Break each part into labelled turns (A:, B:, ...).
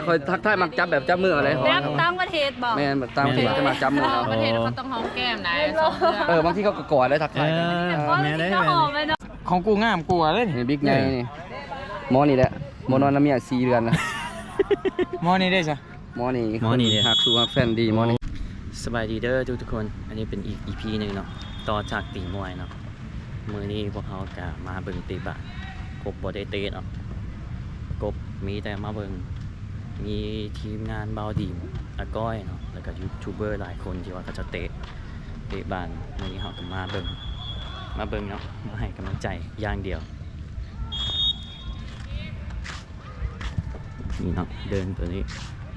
A: คอยทักทายมักจับแบบจับมืออะไร
B: แบบต่างประเทศบอก
A: แม่แบบต่างประเทศจะมาจับมือเอา
C: ประเทศเขาต้องหอมแก้มนะ
A: บางที่เขาก็กอดได้ทักทายกัน
B: แม่ได้แม่
D: ของกูงามกลัวเลย
A: นี่บิ๊กไงนี่หมอนี่แหละหมอนอนน้ำเมีย4 เดือนนะ
D: มอนี่ได้จ้ะ
A: หมอนี่หักสู่หักแฟนดีหมอนี่
E: สบายดีเด้อทุกคนอันนี้เป็นอีก EP หนึ่งเนาะต่อจากตีมวยเนาะมือนี้พวกเขาจะมาเบิ่งตีบะกบบได้เตะเนาะกบมีแต่มาเบิ่งมีทีมงานเบาดีมอาก้อยเนาะแล้วก็ยูทูบเบอร์หลายคนที่ว่าเขาจะเตะบานมือนี้เขาก็มาเบิ่งเนาะมาให้กำลังใจอย่างเดียวนี่เนาะเดินตัวนี้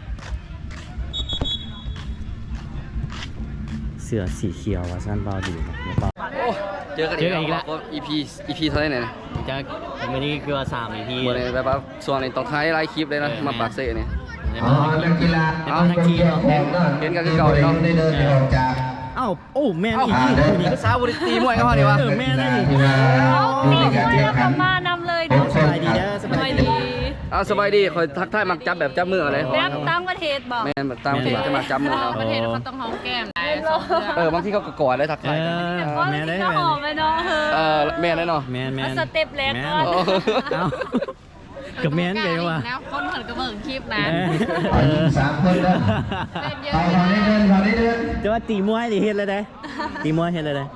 E: เสื้อสีเขียวว่าสั้นเบาดีนะเบา
A: เจอกันอีกแล้ว EP เท่าไหร่เนี่ย
E: จากวันนี้คือว่า3 EP
A: หมดเลยแบบว่าส่วนในต้องท้ายไลฟ์คลิปเลยนะมาปากเซ่เนี่ย
E: เรื่องกีฬาทั้งทีเนาะ
A: เห็นกันคือเก่าเลยเนาะ
E: เอ้าโอ้แม่นี่นี่
A: ก็สาวบริตีมวยเขาเนี่ยวะ
E: แม่ได้นี่
B: มีคนแล้วก็มานำเลย
E: สบายดีเด้อสบายดี
A: สบายดีคอยทักทายมักจับแบบจับมืออะไร
B: แบบต่างประเทศบอก
A: แม่แบบต่างประเทศจะมาจับมือเอา
C: ประเทศเขาต้องหอมแก้มนะ
A: บางที่เขาก็กอดได้ทักทายกัน
E: แม่ได้
B: ก็หอมไปเนาะ
A: แม่ได้เนาะ
E: แม่
B: สเต็ปแรกก่อน
E: เอ้ากับแม่นไปว่ะ
C: แล้วคนเหมือนกับเบิ่งคลิปนะ
F: 3 คนนะ
C: เล่นเยอะ
F: ตอนนี้เดิน
E: จะว่าตีมวยดิเฮ็ดเลยได้ตีมวยเฮ็ดเลยได้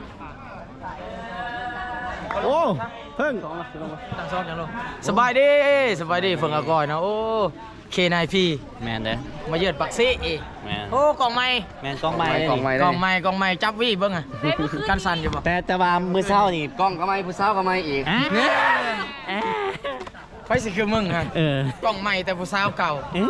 E: โอ้เพิ่ง
D: ตั้งซ้อนกันลงสบายดีเฟิงอากอยนะโอ้เคนายพี่
E: แม่นเด้อ
D: มาเยือนปักซี่อีก
E: แม่น
D: โอ้กล่องไม้
E: แม่นกล้องไม้
A: กล่องไม้
D: จับวี่เบิ่งอ่ะกันสั่นอยู่บ่
E: แต่ว่ามื้อเช้านี่
A: กล้องก็ไม่ผู้สาวก็ไม่อีก
D: ไฟสิคือมึงฮะ กล่องใหม่แต่ผู้สาวเก่า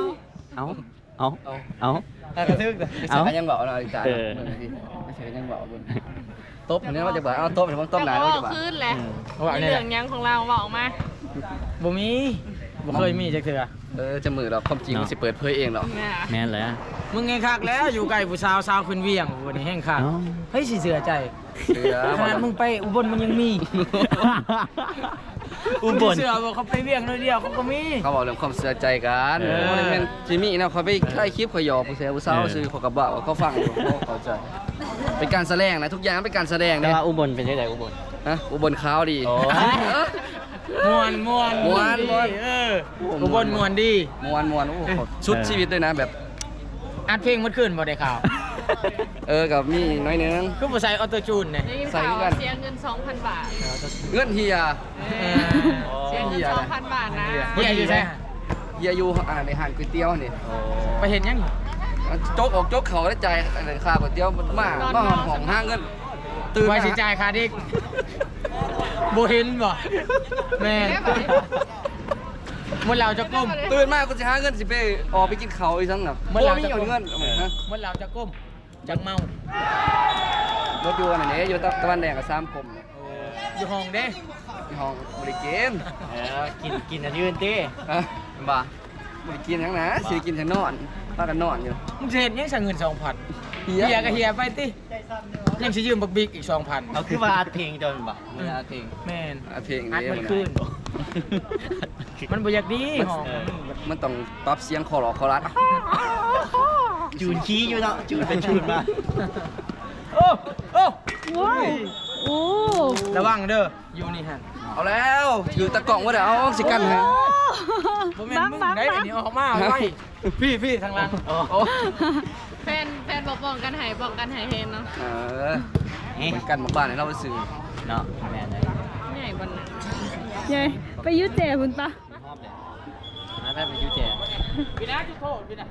E: เอา
D: กระทึก
A: ไม่ใช่ยังบอกเราอีกจ้าไม่ใช่ยังบอกบนโต๊ะอันนี้ว่าจะบอกเอาโต๊ะเป็นโต๊ะไหน
C: แต่
A: ว่า
C: ว่า
A: จะบอก
C: ขึ้นแหละมีเหลืองยังของเราบอกมา
D: บ่มีบ่เคยมีจักเทื่อ
A: จะมือเราความจริงมันสิเปิดเผยเองหรอ
E: แม่นเลย
D: มึงไงคักแล้วอยู่ใกล้ผู้สาวขึ้นเวียงวันนี้แห้งคักเฮ้ยสิเสือใจขนาดมึงไปอุบลมันยังมี
E: อุบล
D: เสือบอกเขาไปเวียงน้อยเดียวเขาก็มี
A: เขาบอกเรื่องความเสียใจกันเป็นจิมี่นะเขาไปใกล้คลิปเขาหยอกผู้เสียผู้สาวซื้อเขากระบะเขาฟังเขาใจเป็นการแสดงนะทุกอย่างเป็นการแสดง
E: แต่
A: นะ
E: ว่าอุบลเป็นจังได๋อุบล
A: อุบลขาวดี
D: มวนอุบลมวนดี
A: มวนโอ้ชุดชีวิตด้วยนะแบบ
D: อัดเพลงเมื่อคืนบ่ได้ข่าว
A: กับมีน้อยนึง
D: คือบ่ใส่ออโต้จูนเนี่ย
C: ได้ยินข่าวเสียเงิน 2,000 บาท
A: เงื่อนเฮีย
C: เสียเงิน 2,000 บาทนะ
D: เฮียอยู่ใช่
A: เฮียอยู่ในห้างก๋วยเตี๋ยวนี่
D: ไปเห็นยัง
A: โจ๊กออกโจ๊กเขาได้ใจอะไรค่าก๋วยเตี๋ยวมันมาห้องห้างเงิน
D: ตื่นไปสิจ่ายค่าดิกบ่เห็นบ่แม่มันเราจะก้ม
A: ตื่นมาก็จะหาเงินสิไปออกไปกินเขาอีกทั้งแบบมีเงินนะ
D: มันเราจะก้มจังเมาร
A: ถยนต์นี่อยู่ตะวันแดงกับ3 กลม
D: อยู่ห้องเด้
A: ที่ห้องบริเกน
E: กินอันยืนติ
A: บ่าบริกินทั้งนะสิกินทั้งนอนป้ากันนอนอยู่
D: มึงจะเห็นยังสั่งเงิน 2,000 เฮียก็เฮียไปติยังสิยืมบักบิ๊กอีก 2,000
E: เอาคือว่าอัดเพลงจนบ่อัดเพลง
D: แม่น
A: เพลง
D: อัด
A: นี้
D: มันขึ้นมันบ่อยากดีห้อง
A: มันต้องปรับเสียงคอหลอกคอรัด
E: จูนขี้อยู่เนาะจูนเป็นจูนมา
D: โอ้โอ้
B: โอ้
D: ระวังเด้ออยู่นี่ฮะ
A: เอาแล้วถือตะกล่องว่าเดี๋ยวเอาสิกันให้
D: บ่แม่นมึงได้อันนี้ออกมาไว้พี่ทางหลังโอ้
C: แฟนบอกกันให้เห็นเนาะ
A: มันกันหมู่บ้านให้เราไปซื้อ
E: เนาะแม่นเลย
C: ใหญ่บนนั้น
B: ยายไปยุเจคุณปะ
E: ชอบเลยนะแม่เป็นยูเจ
D: พี่นะจุดโทษพี่นะ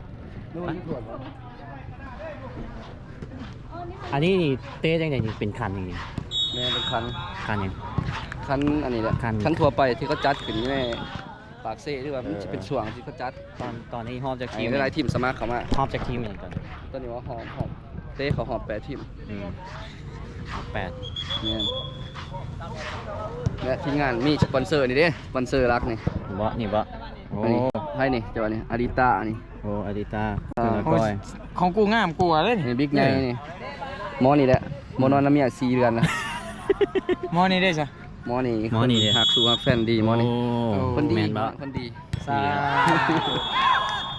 E: อันนี้นี่เต้จังได๋นี่เป็นคันจริง
A: แม่เป็นคัน
E: ๆคันหยัง
A: คันอันนี้แหละ
E: คัน
A: คันทั่วไปที่เขาจัดขึ้นแม่ปากเซ่หรือว่ามันจะเป็นช่วงที่เขาจัด
E: ตอนนี้ฮอบจากที
A: ที
E: ม
A: มหลายทีมสมัครเข้ามา
E: ฮอบจากทีมเหมือนกัน
A: ตอนนี้ว่าหอมเต้เขาหอม8 ทีม
E: 8
A: เนี่ยทีมงานมีสปอนเซอร์นี่เด้สปอนเซอร์รักนี่
E: บ่นี่บ่โอ้
A: อันนี้ให้นี่เจ้านี่อาริต้านี่
E: โอ้อาดิตาเป็นก้อย
D: ของกูงามกลัวเลย
A: นี่บิ๊กไงนี่หมอนี่แหละหมอนอนน้ำเมีย4 เดือนนะ
D: มอนี่ได้จ้ะ
A: หมอนี่หักสู่หักแฟนดีหมอนี่คนดี
E: แม่นบ่
A: คนดี
D: สา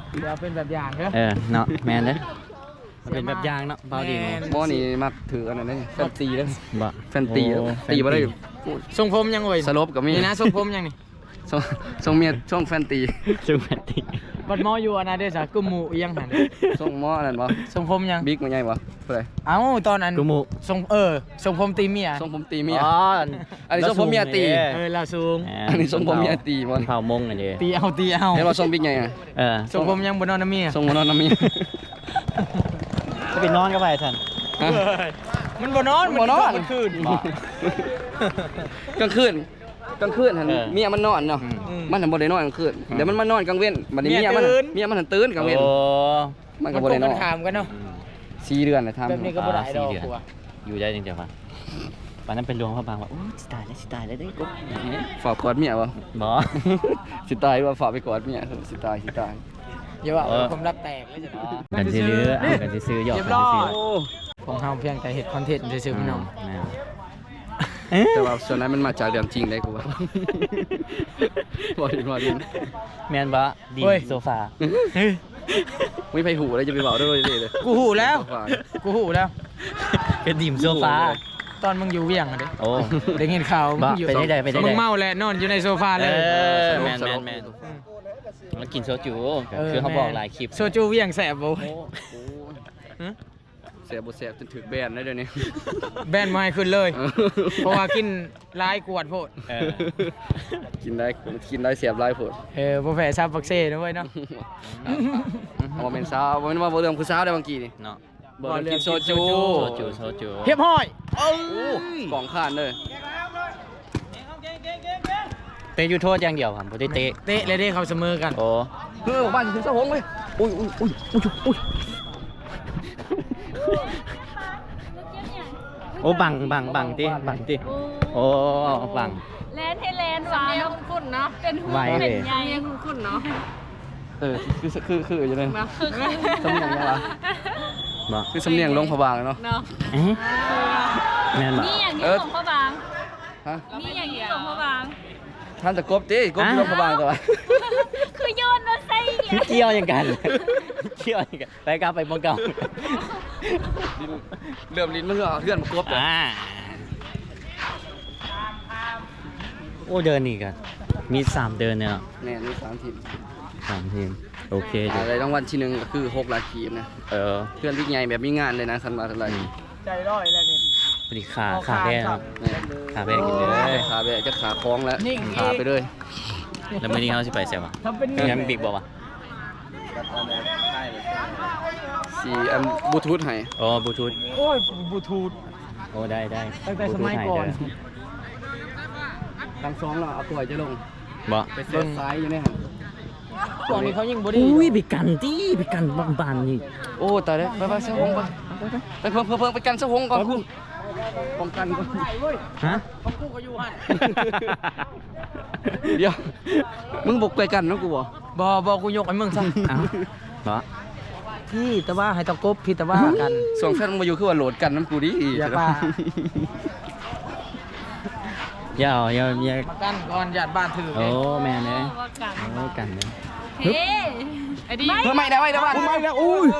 D: เดี๋ยวเป็นแบบอย่างเด้อ
E: เนาะแม่นเด้อมันเป็นแบบอย่างเนาะเบาดี
D: แม่น
A: หมอนี่มักถืออันนั้นนี่แฟนตีเด้อ
E: บ่
A: แฟนตีตีบ่ได้
D: ทรงผมยังโอ้ย
A: สลบก็มี
D: นี่นะทรงผมยังนี่
A: ส่งเมียช่วงแฟนตี
E: ซึ่งแฟนตี
D: บัดหมออยู่อันนั้นเด้อจ้ะกุมหมู่อีหยังหั่น
A: ส่งหมอนั่นบ่
D: ทรงผมยัง
A: บิ๊กมันใหญ่บ่เท่าไหร่
D: เอ้าตอนนั้น
E: กูหมู
D: ทรงทรงผมตีเมีย
A: ส่งผมตีเมีย
E: อ๋อ
A: อันนี้ทรงผมเมียตี
D: เราสูง
A: อันนี้ทรงผมเมียตีบ่
E: เผามงอันนี้
D: ตีเอา
A: เห็นว่าส่งบิ๊กใหญ่อะ
D: ทรงผมยังบ่นอนน้ำเมีย
A: ส่งมานอนน้ำเมีย
E: จะไปนอนก็ไปท่าน
A: ฮะ
D: มันบ่นอน
A: บ่นอน
D: มันคืน
A: กลางคืนหันเมียมันนอนเนาะ
D: อืม
A: มันหันบ่ได้นอนกลางคืนเดี๋ยวมันมานอนกลางเว้นบัดนี้
D: เมี
A: เมี
D: ย
A: ยมัน
D: ตื่น
A: หันตื่นกลางเว้น
E: โอ้
A: มันก็
D: มัน
A: บ่
D: ตร
A: ได้
D: ง
A: น
D: กั
A: อน น
D: ข้ามกันเนาะ
A: 4 เดือนเลยทำ
D: แบบนี้ก็บ่ได้ดอก
E: 4 เดือน
D: กลัว
E: อยู่ได้จริงๆป่ะวันนั้นเป็นลวงพระบางว่าโอ้สิตายแล้วได้กุ๊บ
A: ฝากกอดเมียบ่
E: บ่
A: สิตายว่าฝากไปกอดเมียสิตาย
D: อย่าว่าผมรักแตกเลยจ้ะ
E: กันซื้อเอากันซื้อหยอก
D: เรียบ
E: กัน
D: ร้อ
E: ซื้
D: ย
E: อ
D: ของเฮาเพียงแต่เฮ็ดคอนเทนต์ซื่อๆพี่น้อง
A: แต่ว่าส่วนนั้นมันมาจากเรื่องจริงได้กูว่า บ่ดิน
E: แมนบะดีโซฟา
A: ไม่ไปหูเลยจะไปบอกด้วยเลย
D: กูหูแล้ว
E: เป็นดิมโซฟา
D: ตอนมึงอยู่เวียงอะเด้
E: โอ้
D: ได้เห็นข่าวมึงอยู่
E: ไปได้
D: มึงเมาแล้วนอนอยู่ในโซฟาเลย
E: แมนแล้วกินโซจูคือเขาบอกหลายคลิป
D: โซจูเวียงแสบบ่
A: เสียบ่เสียจนถึกแบนได้เดี๋ยวนี้
D: แบนมาให้ขึ้นเลย เพราะว่ากินหลายกวดโพด
A: กินได้เสียบหลายโพด
D: บ่แพ้ซับบักเซ่นะเว้ยเนาะ
A: เอามาเป็นสาวบ่แม่นว่าบ่เรื่องผู้สาวได้บางกีนี่
E: เนาะ
A: บ่เรื่องกินโซจู
E: โซจู
D: เฮียบห้อย
A: กล่องข้านเลย
E: เตะยูโทษอย่างเดียวครับบ่ได้เตะ
D: เตะเลยเด้เขาเสมอกัน
E: โอ้
A: บ้านถึงสะหงเลยอุ้ย
E: โอ้บังติโอ้บัง
B: แลนให้แลนหวาน
C: สำเนียงคุ้นๆเนาะ
B: เป็นหู
E: ไวเลย
B: เป็นใหญ่
C: สำเนียงคุ้นๆเนาะ
A: คืออยู่เลย
C: มาคือ
A: สำเนียงยังวะ
E: บ่
A: คือสำเนียงลงพะบางเนาะ
C: เนาะ
E: แม่นบ่
B: นี่อย่างนี้ของพ่อบาง
A: ฮะ
B: นี่อย่างนี้ของพ่อบาง
A: ท่านจะกบติกบลงพะบางตัว
B: คือโยนมาใส่อย่างเงี้ย
E: เกี่ยวอย่างกันไปกลับไปบ่เก่า
A: เริ่มลิ้นมันก็เลื่อนมากบเลย
E: โอ้เดินอีกอ่ะมี3เดินเนี่ย
A: แน่นี่3ทีม
E: 3ทีมโอเคจ้ะ
A: อะไรรางวัลที่1ก็คือ6ล้านกีบนะ เพื่อนบิ๊กใหญ่แบบมีงานเลยนะคันมาเท่าไหร่
D: ใจร้อยแล้วนี่
E: พอดีขาแพ้ครับ
A: นี่
E: ขาแพ้กินเลย
A: ขาแบบจะขาคล้องแล้วขาไปเลย
E: แล้วมื้อนี้เขาสิไปเสียวะ
D: ทำเป็น
E: ยังบิ๊กบ่วะ
A: สีอันบลูทูธให้
E: อ๋อบลูทูธ
D: โอ้ยบลูทูธ
E: โอ้ได้
D: ตั้งแต่สมัยก่อน
A: ทั้งสองเนาะเอาตัวจะลง
E: บ่
A: ไปเส้นซ้ายอยู่เนี่ย
D: ช่วงนี้เขายิ่งบ่ได้
E: อุ้ยไปกันบ้านนี่
A: โอ้ตายแล้วไปเสื้อหงไปเพิ่งไปกันเสื้อหงก่อนป้องกันก่อน
E: ฮะ
D: เขาคู่ก็อยู่หั่น
A: เดี๋ยวมึงบุกไปกันเนาะกูบ่
D: บ่กูยกให้มึงซะ
E: เอ้าบ่
D: พี่แต่ว่าให้ตะกบพี่แต่ว่ากัน
A: ส่งแฟนมึงมาอยู่คือว่าโหลดกันน้ำกูดิ
D: อย่าป่า
E: อย่า
D: มากันก่อนญาติบ้านถือ
E: โอ้แม่เลย
B: ว่ากัน
E: โอ้กันเลย
B: เฮ้
C: ไอ้ดี
A: เพิ่มไม่ได้บ้านไม่ได้อุ้ย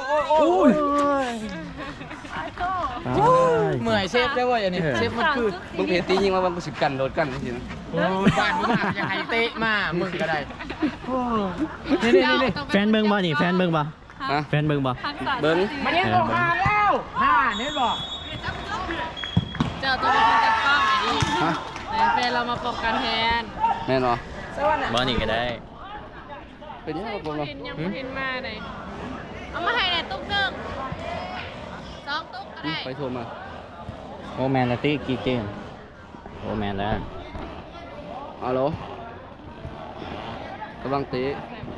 D: เมื่อยเชฟได้เว้ยอันนี้เชฟมันคือ
A: มึงเพจตียิงมาวันกูสิกันโหลดกันจริง
D: โอ้บ้านมึงอยากให้เตะมามึงก็ได้นี่
E: แฟนเบิ่งบ่นี่แฟนเบิ่งบ่
A: ฮะ
E: แฟนเบิ่งบ่
B: ทักษะ
A: เบิ้ง
D: มันนี่บอกมาแล้วเน้นบอก
C: เจ้าตัวเป็นคนจัดกล้องไอ้ดี
A: ฮะ
C: แต่แฟนเรามาป้องกันแทน
A: แม่นอ
E: บ่นี่ก็ได้
A: เป็นยังไงผม
C: เห็นยังไม่เห็นมาเลยเอามาให้ในตุ๊กนึง2ตุ๊กก็ได้
A: ไปโทรมา
E: โอ้แมนละติกี่เกมโอ้แมนแล้ว
A: ฮัลโหลกำลังเตะ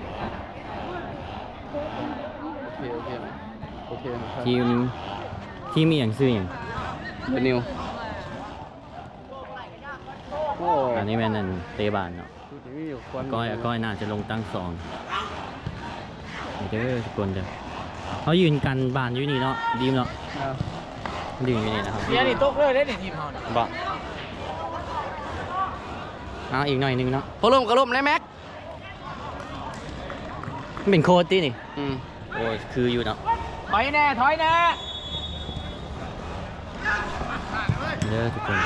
A: โอเคครับ
E: ทีมมีอย่างซื้ออย่าง
A: เป็นนิวโอ้
E: อันนี้แม่นนั่นเตะบานเนาะ
A: มีอยู่ควัน
E: ก้อยน่าจะลงตั้งสองเด้อทุกคนเด้อเขายืนกันบานอยู่นี่เนาะดีมเนาะยืนอยู่นี่นะครับ
D: เดี๋ยวนี่ตกเลยได้ทีมเขา
E: บ่เอาอีกหน่อยหนึงเนาะ
A: พอลมก็ลมเลยแม็ก
E: มันเป็นโค้ดที่นี่
A: อืม
E: โอ้ยคืออยู่เนาะ
D: ถอยแน่ถอยแน่
E: เด้อทุกคน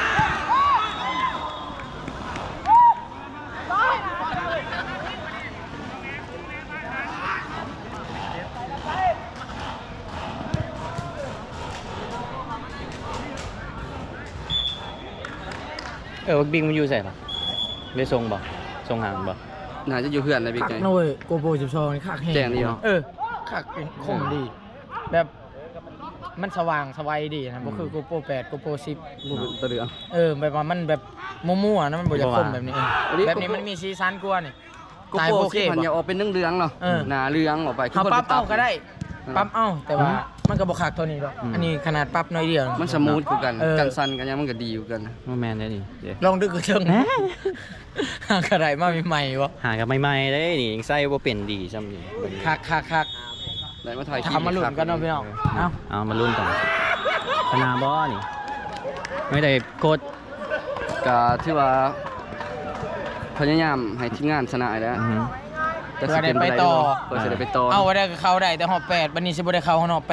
E: บิ๊กมันอยู่ใส่ปะได้ทรงบ่ทรงห่างบ่
A: น่าจะอยู่เพื่อนนะบิ๊ก
D: คัก
A: ไง
D: นะเว้ยโกโปร12นี่คักแห้ง
A: แจ้งดีเนาะ
D: คักเป็นคมดี แบบมันสว่างสวัยดีนะบ่คือโกโปร8โกโปร10
A: ตะเดือ
D: แบบว่ามันแบบมั่วๆนะมันบ่อยากคมแบบนี้
A: อันนี้
D: แบบนี้มันมีสีสันกว่านี่
A: โกโปรสิมันอย่าออกเป็นเรื่องๆเนาะ
D: เออ
A: หนาเรื่องออกไป
D: เขาปรับเอาก็ได้
A: อืม
D: ปรับเอาแต่ว่ามันก็บ่คักเท่านี้ดอกอันนี้ขนาดปรับน้อยเดียว
A: มันสมูทกูกัน
D: เออ
A: กันสั่นกันยังมันก็ดีกูกัน
E: ว่าแมนได้ดิเดี๋ยว
D: ลองดึกกระเชิงกระไรมาใหม่ๆวะ
E: หากับใหม่ๆได้นี่ยังใส่บ่เป็นดีซ้ำนี่เบิ่ง
D: คัก
A: ได้มาถ่ายคลิป
D: ทำมาหลุนกันเนาะพี่น้องเอ้า
E: เอามาลุ้นกันชนะบ่นี่ไม่ได้โค้ด
A: ก็ที่ว่าพยายามให้ทีมงานชนะแล้ว
E: อือฮึ
A: แต่
D: เพื่
A: สิ
D: อได้
A: เป็น
D: ไป
A: ไป
D: ต่อ
A: เพื่อจะได้ไปต่อ
D: เอาไว้ได้ก็เข้าได้แต่หอบ8บัดนี้สิบ่ได้เข้าหอบ8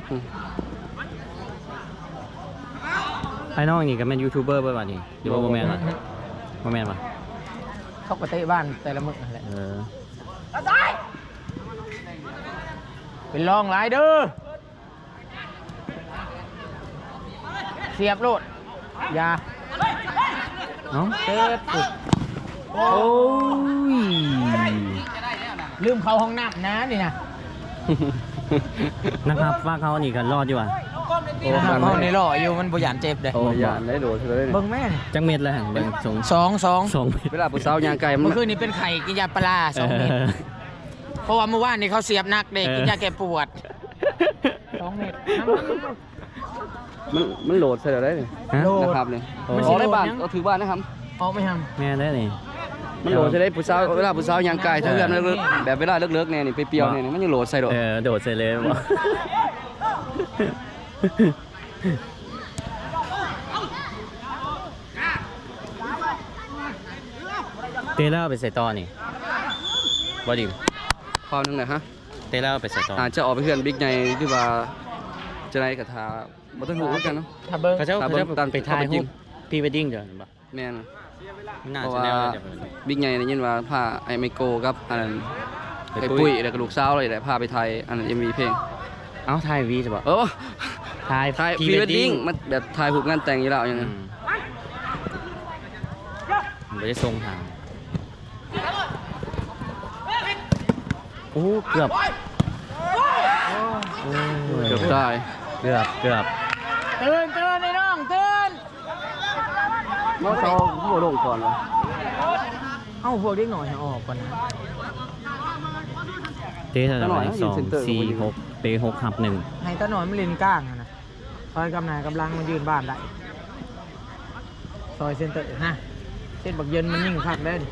E: ไอ้น้องนี่ก็เป็นยูทูบเบอร์เบ่บัดนี้หรือว่าบ่แม่นวะบ่แม่นวะ
D: เขาก็เตะบ้านแต่ละมื้อนั่นแหละ
E: เออ
D: เป็นรองหลายเด้อเสียบโลดอย่า
E: เอ้า
D: เติดปุ๊บ
E: โอ้ย
D: ลืมเข้าห้องน้ำนะนี่นะ
E: นะครับว่าเขานี่ก็รอดอยู่ว่ะ
D: นะครับห้องนี้รออยู่มันบ่หยานเจ็บเด้
A: โอ้ยอย่าได้โดดเธอเลย
D: เบิ่งแม่น
E: จังเม็ดแล้วหั่นเบิ่งสอง
D: 2
E: สองเม็ด
A: เวลาผู้สาวยางไก่มัน
D: เมื่อคืนนี้เป็นไข่กินยาปลา2 เม็ดเพราะว่าเมื่อวานนี้เขาเสียบนักเด็กกินยาแก้ปวด2 เม็ด
A: มันโหลดใส่ได้เลย
E: ฮะ
A: นะครับเนี่ย
E: โอ้
A: มันสิได้บ้านเอาถือบ้านนะครับ
D: เอาไม่ท
E: แม่ได้นี่
A: มันโหลดใส่ได้ผู้สาวเวลาผู้สาวยางไก่ถ้าเพื่อนเลิกๆแบบเวลาเลิกๆเนี่ยนี่ไปเปรียวเนี่ยมันยังโหลดใส่ดอก
E: โดดใส่เลยบ่ เตะแล้วไปใส่ต่อนี่บ่ดิ
A: ความนึงนะฮะ
E: เตะแล้วไปใส่ต่อ
A: อาจจะออกไปเพื่อนบิ๊กใหญ่ที่ว่าจะได้กระทาบ่ต้องหูเหมือนกันเนาะ
D: ำถ้าเบิ้ง
E: เขาเจ้า
A: ครับ
E: เขาเจ้า
A: ตาม
E: ไปถ่าย
A: จริ
E: รู
A: ง
E: ปพรีเวดดิ้งเดี๋ยวเห็นปะ
A: แม่น
E: น่า
A: เพราะ
E: จะ
A: ว่า
E: แนวเลยเดี๋ยว
A: บิ๊กใหญ่ได้ยินว่าพาไอ้ไมโกกับอันนั้น
E: ไป
A: ไอ้
E: ปุ้
A: ปุ้
E: ย
A: ยแล้วก็ลูกสาวเลยแหละพาไปไทยอันนั้น MV เพลง
E: เอ้าถ่ายวีจะบอก
A: เออ
E: ถ่าย
A: ถ่ายพรีเวดดิ้งมันแบบถ่ายผูกงานแต่งอยู่แล้วอย่าง
E: อื
A: นั้น
E: มไม่ได้ทรงทางโอ้เกือบโอ้ย
A: เกือบตาย
E: เกือบ
D: ตื่นไอ้น้องตื่น
A: น้องเขาหัวลงก่อนวะ
D: เอ้าพวกเด็กหน่อยให้ออกก่อนนะ
E: เตะเท่าไหร่2 4 6เตะ6-1
D: ให้ตาหน่อยมันเล่นก้างอะนะซอยกำนายกำลังมันยืนบ้านได้ซอยเซนเตอร์นะเส้นบักเย็นมันยิ่งคักได้ดิ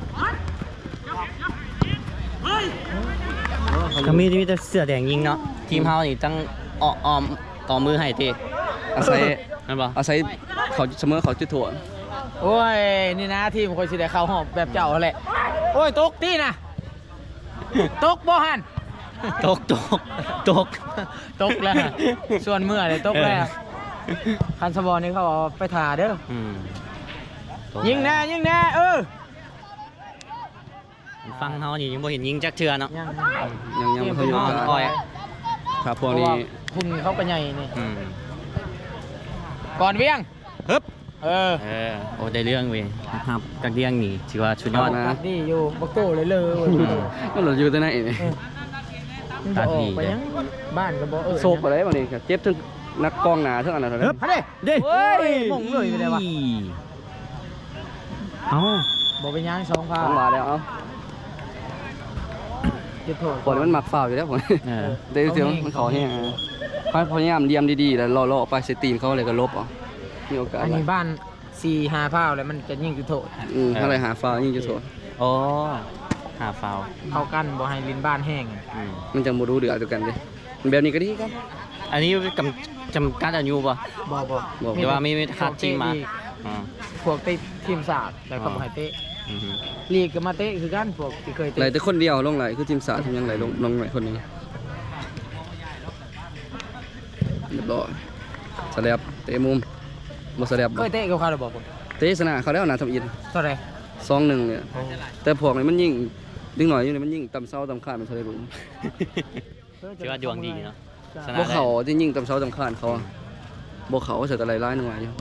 E: ก็มีแต่เสื้อแดงยิงเนาะทีมเฮานี่ตั้งอ้อมต่อมือให้เตะ
A: อาศัย
E: นั่นบ่
A: อาศัยเขาเสมอเขาจุดถ่วง
D: โอ้ยนี่นะทีมคนสิได้เข้าหอบแบบเจ้าแหละโอ้ยตกตีนะตกบ่หัน
E: ตก
D: ตกแล้วฮะส่วนเมื่อเลยตกแล้วคันสบอลนี่เขาเอาไปถ่าเด้อ
E: อืม
D: ยิงแน่
E: ฟังเฮานี่ยังบ่เห็นยิงจักเทื่อเนาะ
A: ยังไม่เคยอยู่กัน
E: อ้อย
A: ครับพ
D: เพ
A: วก
D: ราะ
A: นี้
D: ว่าคุณเขาก็ใหญ่นี่
E: อืม
D: ก่อนเวียง
E: ฮึบ
D: เออ
E: โอ้ได้เรื่องเว้ยครับกักเดียงนี่ถือว่าชุดยอด
D: ตัดดีอยู่บักโก้เลยเลย
A: นั่นเราอยู่ที่ไหนนี่
D: มันจะออกไปยังบ้านก็บ่
A: โศกไปเลยวันนี้ครับเจ็บทั้งนักกองหนาทั้งอันนั้นเท่านั้น
D: ฮะเด้
E: เด้
D: เฮ้ยมงเลยไปเลยวะ
E: เอ้า
D: บ่เป็นยัง2 พา
A: ต้องมาแล้วเอา
D: จุดโทษ
A: คนมันหมักฝ่าวอยู่แล้วผม
E: เออ
A: เดี๋ยวเสียงมันขอเนี่ยพยายามเดียมดีๆแล้วล่อๆไปเซตีนเขาเลยก็ลบอ่ะมีโอกาส
D: อันนี้บ้าน4-5 พาวแล้วมันจะยิ่งจุดโทษ
A: ถ้าอะไรหาฝ่าวยิ่งจะโสด
E: โอ้หาฟาวล์
D: เข้ากันบ่ให้ลิ้นบ้านแห้ง
E: อืม
A: มันจะมารู้เดือดตัวกันดิแบบนี้ก็ดีครับ
E: อันนี้จำกัดอายุป่ะ
D: บ่
A: บอก
E: หรือว่าไม่คาดจริงมา
D: อีก
E: อ่า
D: พวกติดทีมศาสตร์แล้วก็บ่ให้เตะ
E: อือฮึ
D: ลีกก็มาเตะคือกันพวกที่เคย
A: ไหล
D: เตะ
A: แต่คนเดียวลงไหลคือทีมสาทีมยังไหลลงไหลคนหนึงเรียบร้อยสแลบเตะมุมบ่สแลบ
D: เคยเตะกับเขาหรือเปล่าผม
A: เตะชนะเขาแล้วนะทำอิน
D: เท่าไหร่
A: 2-1เนี่ยแต่พวกนี้มันยิ่งดึงหน่อยอยู่นี่มันยิ่งต่ำเซาต่ำคานมันเท่าได้รู้
E: ถือว่าดวงดีเนาะชนะ
A: บ่
E: ได้
A: เขาที่ยิ่งต่ำเซาต่ำคานเขาอะบ่เขาเสียแต่หลายๆหน่วยอยู่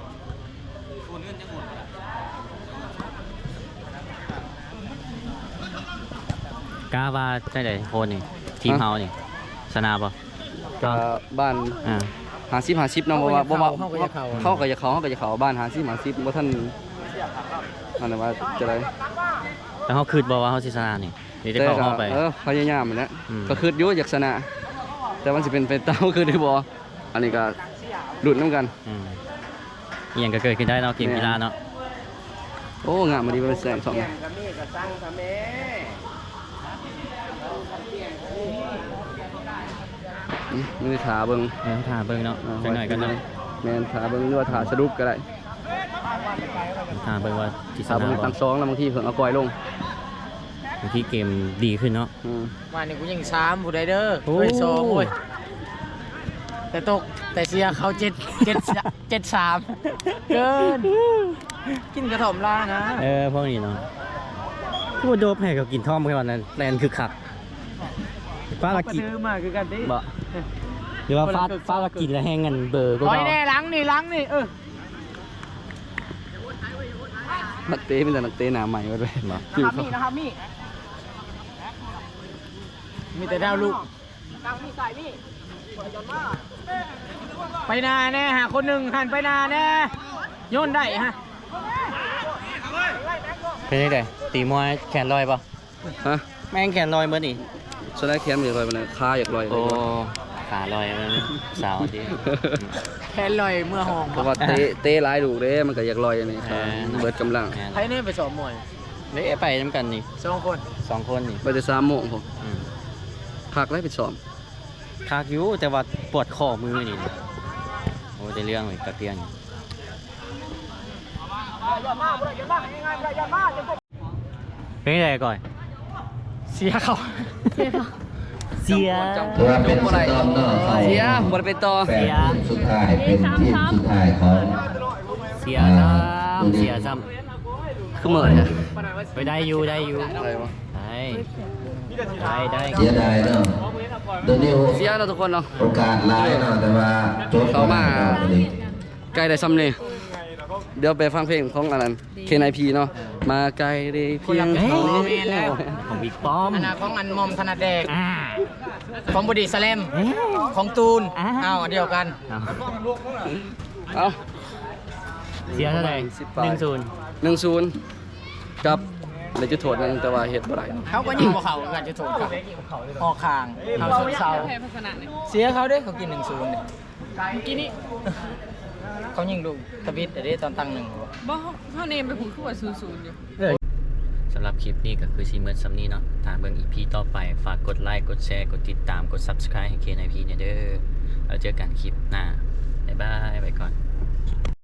E: กล้าว่าได้ไหนโคนนี่ทีมเฮานี่ชนะป่ะ
A: ก็บ้าน
E: อ่า
A: 50-50เนาะบ่ว่าบ่ว่า
D: เขาก็จะเข้า
A: เขาก็จะเขาบ้าน50-50บ่ทันอันนั้นว่าจะได้
E: แต่เขาคืดบอกว่าเขาสิชนะนี่เดี๋ยวจะ
A: แต่
E: เข้า
A: ก็
E: ห้องไป
A: พยายามนั่นแหละ
E: อืม
A: ก็คืออยู่อยากชนะ แต่มันสิเป็นไปตามคือได้บ่อันนี้ก็ลุ้นนํกัน
E: อืมอหย่างก็เกิดขึ้นได้เนาะเกมกีฬาเนาะ
A: โอ้งามมาดีเป็นแสงสองมือถาเบิ่ง
E: ถ่าเบิ่งเนาะจังหน่อยก็เนาะ
A: แม่นถาเบิ่งหรือว่าถาสะดุกก็ได้
E: ถ่าเบิ่งว่าสิช
A: ถา
E: นะ
A: เบิ่ง
E: บ่
A: ตั้งสองแล้วบางทีเพิ่งเอากอยลง
E: บางทีเกมดีขึ้นเนาะ
D: มานี่กูยัง3ผู้ใดเด้อ
E: โอ้
D: เฮ้ย2โอ้ยแต่ตกแต่เสียเขา7-3เกินกินกระถ่อมล่านะ
E: พวกนี้เนาะผู้โดบให้เขากินท่อมแค่วันนั้นแลนคือคักฟ้าละกิน
D: ซื้อมาคือกันดิ
E: บ่หรือว่าฟ้าละกินแล้วแห้งกันเบอร์ก็
D: ร้อย
E: เนาะ
D: แน่หลังนี่
A: นักเตะเป็นแต่นักเตะหน้าใหม่หมดเลย
E: บ่
D: นะครับมีมีแต่ดาวลูกไปนาแน่หาคนหนึ่งหันไปนาแน่โยนได้ฮะ
E: เป็นยังไงตีมวยแขนลอยป่ะ
A: ฮะ
E: แม่งแขนลอยเมื่อนี่
A: ชนะแคมป์อยากลอยไปเลยขาอยากลอย
E: โอ้ขาลอยมันสาวดี
D: แค่ลอยเมื่อห้อง
A: เพราะว่าเตะหลายลูกเด้มันก็อยากลอยอันนี้ค่ะเบิดกำลัง
D: ใครเนี่ยไปสอบมวย
E: เละไปน้ำกันนี่
D: 2 คน
E: 2 คนนี่
A: ไปแต่3 โมงผม
E: อืม
A: พักแล้วไปซ้อม
E: คากอยู่แต่ว่าปวดข้อมือนี่โอ้ได้เรื่องเลยกระเตียงเป็นยังไงก่อน
D: เสียเขา
E: เสีย
F: ถือว่าเป็นสตอมเนาะเขา
A: เสียบ่ได้เป็นต่อ
F: แปดทีมสุดท้ายเป็นทีมสุดท้ายของ
E: เสียซ้ำเสียซ้
A: คือเหมือนเนี่ย
E: ำไปได้อยู่
A: อะไรวะ
E: ได้
F: เสียดายเนาะเดี๋ยวนี้
A: เสียเนาะทุกคนเนาะ
F: โอกาสหลายเนาะแต่ว่าโจทย์
A: เขามา
F: บ่ได้
A: ไกลได้ซ้ำนี่เดี๋ยวไปฟังเพลงของอันนั้น KNIP เนาะมาไกลได้เพียงเท่านี้
E: ของบิ๊กป้อม
D: อันนาของอันมอมธนาแดง
E: อ่า
D: ของบดีสแลมของตูน
E: อ่า
D: เอาอันเดียวกัน
A: เอา
E: เสียเท่าไหร่
A: 10 1-0กับเลยจะโทษนึงแต่ว่าเฮ็ดบ่ได้
D: เขาก็ยิงเขากันจะถูกกับออกคางเขาสุดเศร้า
C: แพ้พัฒนาเนี่ย
D: เสียเขาเด้เขากิน1-0เนี่ย
C: กินนี่
D: เขายิงลูกตะบิดแต่ได้ตอนตั้ง1
C: บ่เท่าเนมไปพูดคือว่า00อยู่
E: สำหรับคลิปนี้ก็คือซีเมอร์ซัมนี้เนาะถ้าเบิ่ง EP ต่อไปฝากกดไลค์กดแชร์กดติดตามกด Subscribe ให้ KNIP เนี่ยเด้อแล้วเจอกันคลิปหน้าบ๊ายบายไปก่อน